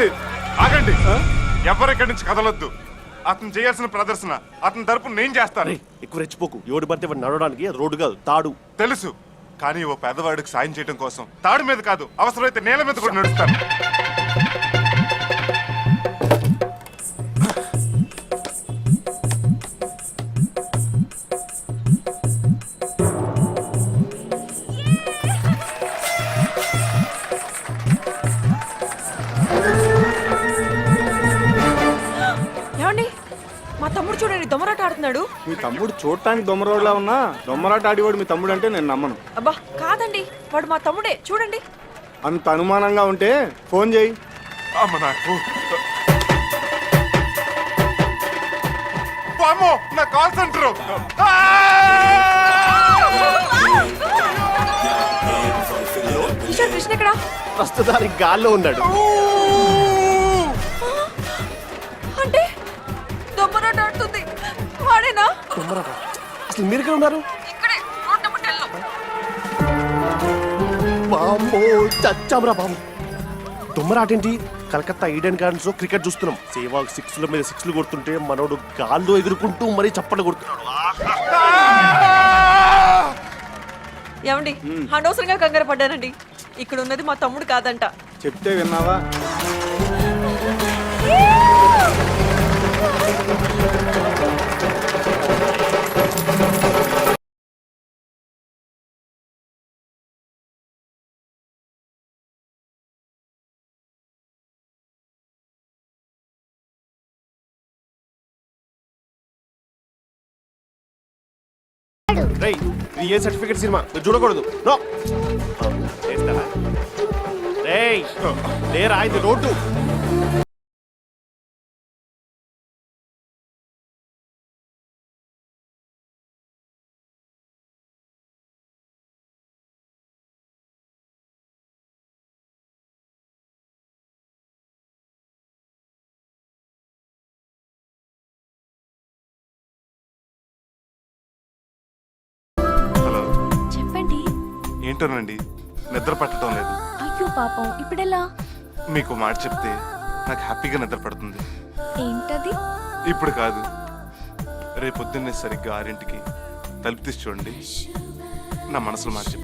ఆగండి, ఎవరెక్కడి నుంచి కదలొద్దు. అతను చేయాల్సిన ప్రదర్శన అతని తరపున నేను చేస్తాను. ఎక్కువ రెచ్చిపోకు. ఎవడు పడితే వాడు నడవడానికి రోడ్డు కాదు, తాడు. తెలుసు, కానీ ఓ పేదవాడికి సాయం చేయడం కోసం తాడు మీద కాదు, అవసరమైతే నేల మీద కూడా నడుస్తాను. చూడండి, దొమ్మరాట ఆడుతున్నాడు. మీ తమ్ముడు చూడటానికి దొమ్మరోడ్లా ఉన్నా దొమ్మరాట ఆడివాడు మీ తమ్ముడు అంటే నేను నమ్మను. అబ్బా కాదండి, వాడు మా తమ్ముడే. చూడండి. అంత అనుమానంగా ఉంటే ఫోన్ చేయి. అమ్మ నాకు వామ్మో, నా కాల్ సెంటర్. కిషోర్, కృష్ణ ఎక్కడ? ప్రస్తుతానికి గాల్లో ఉన్నాడు. అంటే దొమ్మరాట ఆడుతుంది వాడేనా? అసలు మీరు ఎక్కడ ఉన్నారు? ఇక్కడే, రోడ్ నెంబర్ 10 లో. బాంబో చచ్చామరా బాబు. దొమ్మరాటేంటి? కలకత్తా ఈడెన్ గార్డెన్స్ లో క్రికెట్ చూస్తున్నాం. సేవాగ్ 6ల మీద 6లు కొడుతుంటే మనోడు గాల్లో ఎగురుకుంటూ మరీ చప్పట్లు కొడుతున్నాడు. ఏమండి, అనవసరంగా కంగారు పడ్డానండి. ఇక్కడ ఉన్నది మా తమ్ముడు కాదంట. చెప్తే విన్నావా? రేయ్, ఇది ఏ సర్టిఫికెట్ సినిమా? మీరు చూడకూడదు. నో చేస్తారా? రేయ్ లేరా, ఇది రోడ్డు. చెప్పండి. ఏంటోనండి, నిద్ర పట్టడం లేదు. అయ్యో పాపం, ఇప్పుడెలా? మీకు మాట చెప్తే నాకు హ్యాపీగా నిద్ర పడుతుంది. ఏంటది? ఇప్పుడు కాదు, రేపొద్దున్నే సరిగ్గా 6ంటికి తలుపు తీసి చూడండి. నా మనసులో మాట చెప్తాను.